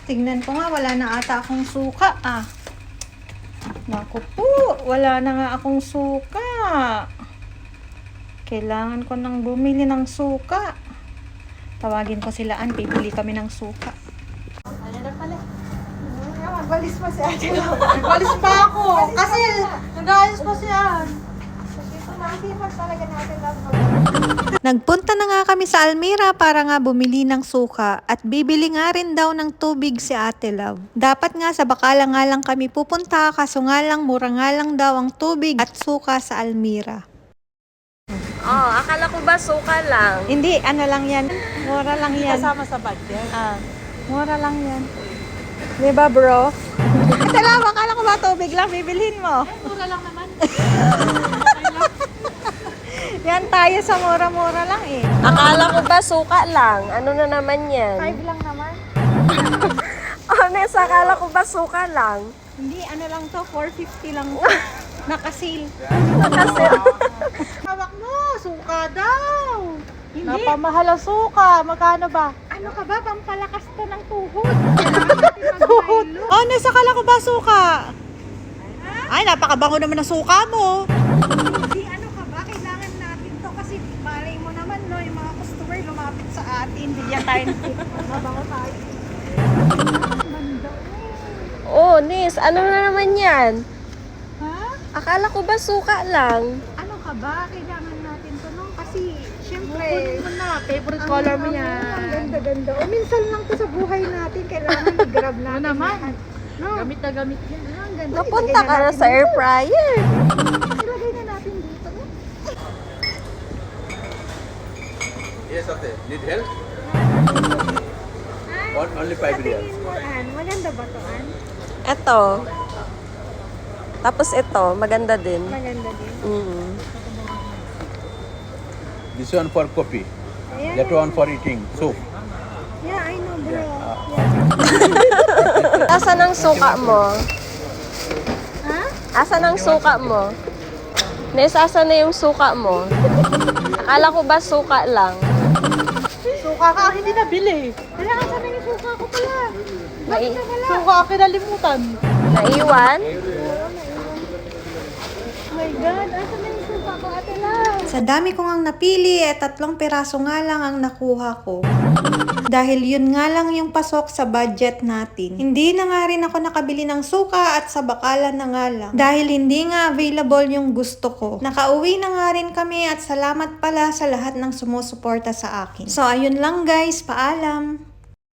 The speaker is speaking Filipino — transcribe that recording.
Tingnan ko nga, wala na ata akong suka ah. Naku po, wala na nga akong suka. Kailangan ko nang bumili ng suka. Tawagin ko sila, bibili kami ng suka. Ano na pala? Magbalis pa si Ate. Magbalis pa ako. Kasi nag-ayos pa si Ann. Nagpunta na nga kami sa Almira para nga bumili ng suka at bibili nga rin daw ng tubig si Ate Love. Dapat nga sa Bacala nga lang kami pupunta kaso nga lang mura nga lang daw ang tubig at suka sa Almira. Oh, akala ko ba suka lang? Hindi, ano lang yan. Mura lang yan. Kasama sa budget. Mura lang yan. Diba bro? Ito lang, akala ko ba tubig lang bibilhin mo? Mura lang naman. Yan tayo sa mura-mura lang eh. Akala ko ba suka lang? Ano na naman yan? 5 lang naman. Honest, akala ko ba suka lang? Hindi, ano lang to, 450 lang. Nakasil. Kasi, Hawak mo, suka daw. Hindi. napamahal ang suka. Magkano ba? Ano ka ba? Pampalakas to ng tuhod. Tuhod? Oh, nasa kala ko ba suka? Ay, napakabango naman ng suka mo. Hindi, ano ka ba? Kailangan natin to kasi malay mo naman, no, yung mga customer lumapit sa atin. Hindi yan tayo mabango tayo. Oh, Nis, ano na naman yan? Ha? Akala ko ba suka lang? Ano ka ba? Kailangan natin to, no? Kasi, syempre, Kunin mo na. Favorite ang- color mo ang- yan. Ang ganda-ganda. O, minsan lang to sa buhay natin. Kailangan i-grab natin. Ano naman? lahat. No? Gamit na gamit yan. Ang ganda. Napunta Ilagay ka na natin sa air dito. fryer. Ilagay na natin dito. No? Yes, ate. Need help? Only 5 Sa reals. tingin mo, Ann, maganda ba to, Ann? Eto. Tapos ito, maganda din. Maganda din. This one for coffee. Ayan. That one for eating soup. Yeah, I know, bro. Asan ang suka mo? Ha? Asan ang suka mo? Nes, asan na yung suka mo? Akala ko ba suka lang? Suka ka, hindi nabili. Kaya asan na yung suka ko pala? Bakit na wala? Suka kinalimutan. Naiwan? Oh my God, asan na yung suka ko, Ate Lau? Sa dami ko ngang napili, 3 piraso nga lang ang nakuha ko. Dahil yun nga lang yung pasok sa budget natin. Hindi na nga rin ako nakabili ng suka at sa Bacala na nga lang. Dahil hindi nga available yung gusto ko. Nakauwi na nga rin kami at salamat pala sa lahat ng sumusuporta sa akin. So ayun lang guys, paalam!